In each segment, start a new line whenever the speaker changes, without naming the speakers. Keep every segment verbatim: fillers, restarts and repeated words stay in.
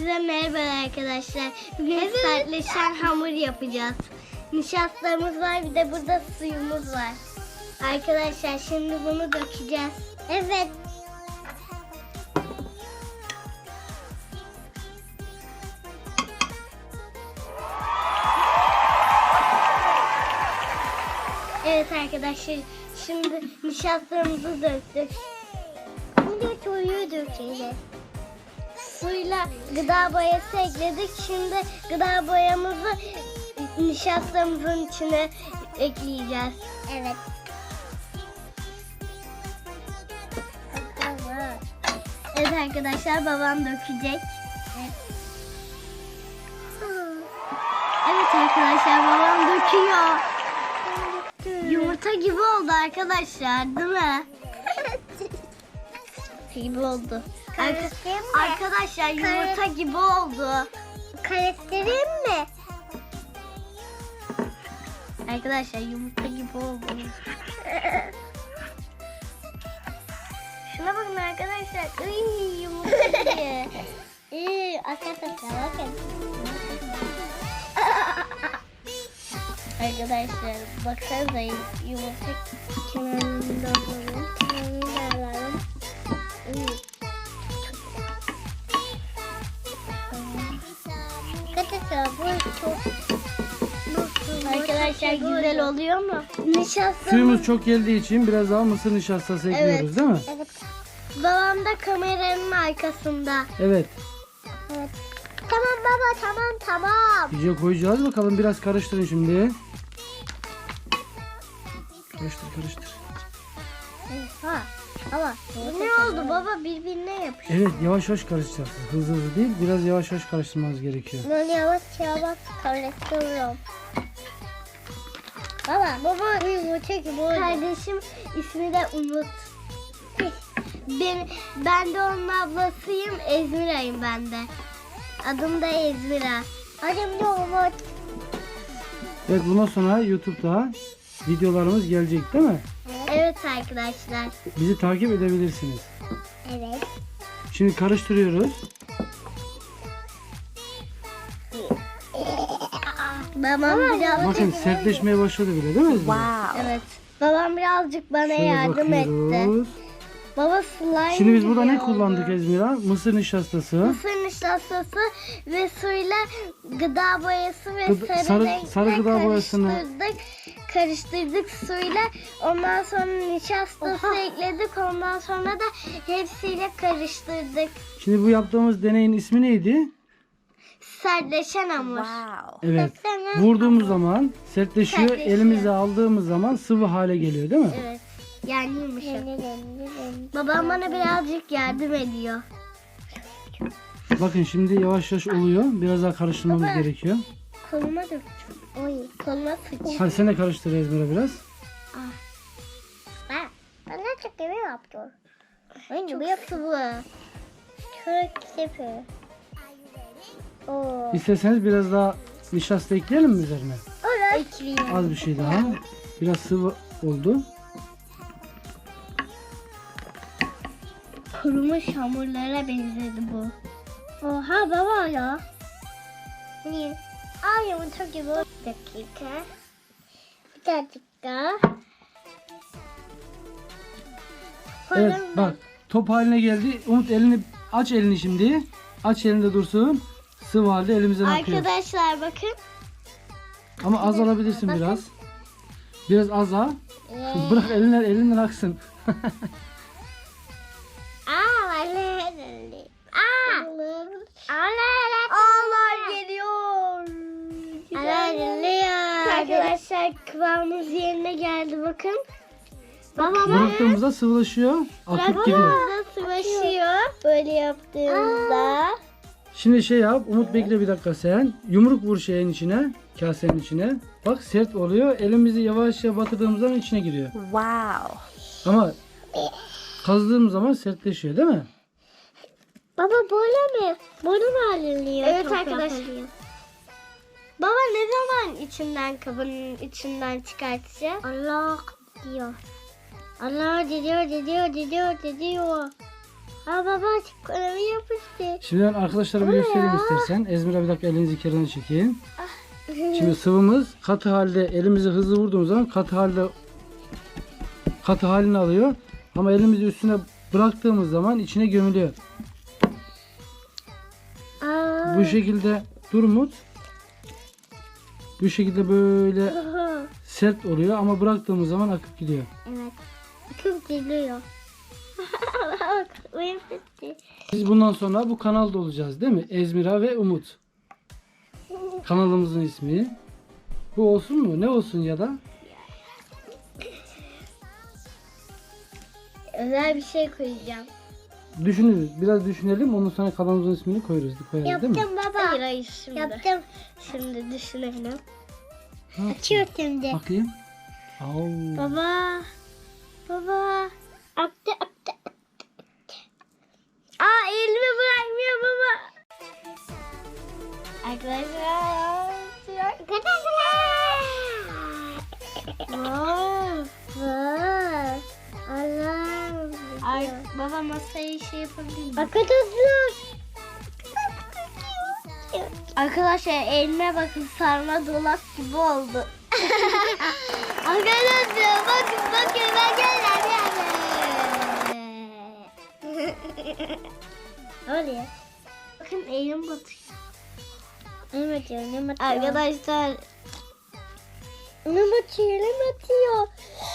Hepinize merhaba arkadaşlar. Bugün evet. sertleşen hamur yapacağız. Nişastamız var, bir de burada suyumuz var. Arkadaşlar şimdi bunu dökeceğiz. Evet. Evet arkadaşlar, şimdi nişastamızı döktük. Şimdi suyu dökeceğiz. Suyla gıda boyası ekledik. Şimdi gıda boyamızı nişastamızın içine ekleyeceğiz. Evet. Evet arkadaşlar, babam dökecek. Evet. Evet arkadaşlar, babam döküyor. Yumurta gibi oldu arkadaşlar, değil mi? gibi oldu.
Karıştırayım mı?
Arkadaşlar yumurta Kar- gibi oldu.
Karıştırayım mı?
Arkadaşlar yumurta gibi oldu. Şuna bakın arkadaşlar. Iy, yumurta gibi.
İyi, arkadaşlar bakın.
Arkadaşlar baksanıza, yumurta kenarında alalım. Kenarında alalım.
Arkadaşlar bu çok
Arkadaşlar güzel oluyor mu? Nişasta.
Suyumuz çok geldiği için biraz daha mısır nişastası ekliyoruz,
Evet.
değil mi?
Evet.
Babam da kameranın arkasında.
Evet.
Evet. Tamam baba, tamam tamam.
İyice koyacağız, bakalım, biraz karıştırın şimdi. Karıştır karıştır.
Ha. Ama
Bu ne oldu baba, birbirine yapıştı.
Evet, yavaş yavaş karıştıracağız. Hızlı hızlı değil, biraz yavaş yavaş karıştırmanız gerekiyor.
böyle yavaş yavaş karıştırıyorum. Baba,
Baba
yumurta gibi oldu.
kardeşim ismi de Umut. Ben, ben de onun ablasıyım, Ezmira'yım ben de. Adım da Ezmira.
Adım da Umut.
Evet, bundan sonra YouTube'da videolarımız gelecek, değil mi?
Evet arkadaşlar.
Bizi takip edebilirsiniz.
Evet.
Şimdi karıştırıyoruz.
Babam biraz
Bakın sertleşmeye başladı bile, değil mi Ezra?
evet. Babam birazcık bana
Şöyle
yardım etti.
bakıyoruz.
Baba slime
Şimdi biz burada
gibi
ne kullandık
oldu.
Ezmira? Mısır nişastası.
Mısır nişastası ve suyla gıda boyası ve
Gıda-
sarı,
sarı-
renkle
sarı gıda boyasını-
karıştırdık. Karıştırdık suyla. Ondan sonra nişastası ekledik. Ondan sonra da hepsiyle karıştırdık.
Şimdi bu yaptığımız deneyin ismi neydi?
Sertleşen hamur.
Evet. Vurduğumuz zaman sertleşiyor.
Sertleşiyor.
Elimize aldığımız zaman sıvı hale geliyor, değil mi?
Evet. Yani yumuşak. Babam bana birazcık yardım ediyor.
Bakın şimdi yavaş yavaş oluyor. Biraz daha karıştırmamız
Baba.
gerekiyor.
Koluma döktüm. Oy, koluma sıç.
Hadi sen de karıştır Ezmira biraz.
Ha. Ben de çok gibi yaptım.
Ay, çok sıvı.
Çok sıfır. Oo.
İsterseniz biraz daha nişasta ekleyelim mi üzerine?
Olur.
Ekleyeyim.
Az bir şey daha. Biraz sıvı oldu.
Kurumuş hamurlara benzedi bu.
Oha baba ya. Niye? Ay yumurta gibi. Bir dakika. Bir dakika.
Evet, bak top haline geldi. Umut elini aç, elini şimdi. Aç, elinde dursun. Sıvı halde elimizden akıyor.
Arkadaşlar bakın.
Ama az alabilirsin biraz. Biraz az al. Bırak elinden elinden aksın.
Aa, öyle. Aa.
Ağlar geliyor. Arkadaşlar kıvamımız yerine geldi bakın. Baba
Vurduğumuzda sıvılaşıyor. Akıp gidiyor.
da sıvaşıyor. Böyle yaptığımızda.
Şimdi şey yap. Umut bekle bir dakika sen. Yumruk vur şeyin içine. Kasenin içine. Bak sert oluyor. Elimizi yavaşça batırdığımız zaman içine giriyor.
Wow.
Ama kazdığımız zaman sertleşiyor, değil mi?
Baba böyle mi? Böyle mi alınıyor?
Evet
toprak
arkadaşlar.
oluyor?
Baba ne zaman içinden kabının içinden çıkartacağız?
Allah diyor. Allah diyor, diyor, diyor, diyor. Aa baba çikolata yapıştı.
Şimdi ben arkadaşlara bir
Bu ne
göstereyim
ya?
istersen. Ezmira bir dakika elinizi kenarına çekeyim. Şimdi sıvımız katı halde elimizi hızlı vurduğumuz zaman katı halde katı halini alıyor. Ama elimizi üstüne bıraktığımız zaman içine gömülüyor.
Aa.
Bu şekilde dur Umut. Bu şekilde böyle sert oluyor ama bıraktığımız zaman akıp gidiyor.
Evet. Akıp geliyor. Bak o yapıştı.
Biz bundan sonra bu kanalda olacağız değil mi? Ezmira ve Umut. Kanalımızın ismi. Bu olsun mu? Ne olsun ya da?
Özel bir şey koyacağım.
Düşünürüz. Biraz düşünelim. Ondan sonra kanalımızın ismini koyarız. koyarız değil mi?
Yaptım baba.
Hayır hayır şimdi.
Yaptım.
Şimdi düşünelim.
Ne yaptın?
Açıyor şimdi.
Bakayım. Au.
Baba. Baba.
Aktı aktı.
Aa elimi bırakmıyor baba. Arkadaşlar. Wow.
Vay. Allah'ım.
Ay baba masayı şey yapabilir miyim?
Arkadaşlar.
Arkadaşlar elime bakın sarma dolap gibi oldu. Arkadaşlar bakın bakın bakın.
Öyle.
Bakın elim batıyor.
Ne batıyor ne batıyor.
Arkadaşlar
Ne batıyor ne batıyor.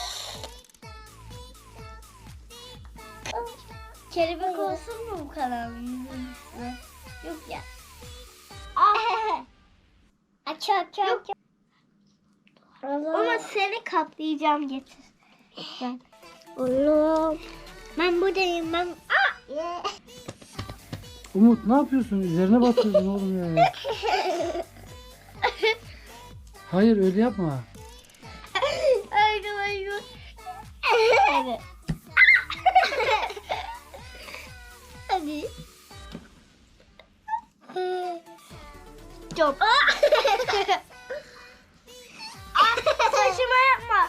kelebek olsun mu bu kanalımızın ismi? Yok ya.
Aç aç aç.
Ama seni katlayacağım getir.
Ben. Oğlum. Ben buradayım ben. Aa!
Umut ne yapıyorsun? Üzerine batıyorsun oğlum ya. Hayır öyle yapma.
Arkadaşlar. Evet. Hadi. Çok. Saçıma yapma.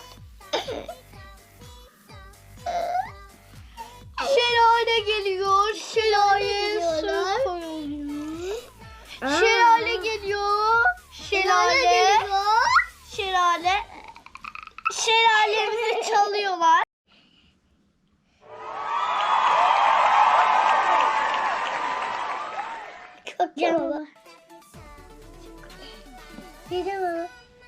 Şelale geliyor. Şelaleye su koyuluyor. Şelale geliyor. Şelale. Şelale. Şelalemizi çalıyorlar.
Çok canım. Yedim ama.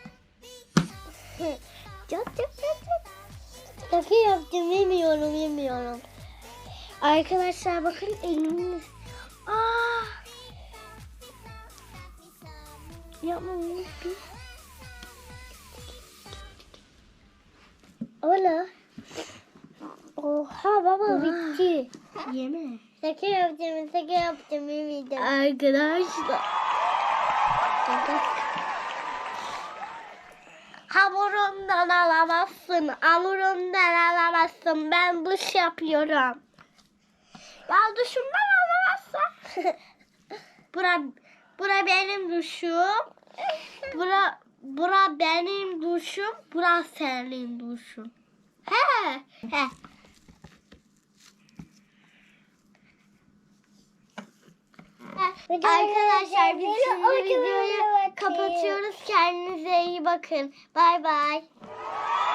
Çok çok çok çok. Takı yaptım yemiyorum yemiyorum.
Arkadaşlar bakın elimiz. Aa! Yapmayın.
Ola. Oha baba bitti.
Yeme.
Takı yaptım takı yaptım yemedim.
Arkadaşlar. Hamurumdan alamazsın. Hamurumdan alamazsın. Ben duş yapıyorum. Ya duşumdan alamazsın. bura, bura benim duşum. Bura, bura benim duşum. Bura senin duşun. He. He. Arkadaşlar biz şimdi videoyu kapatıyoruz. Kendinize iyi bakın. Bay bay.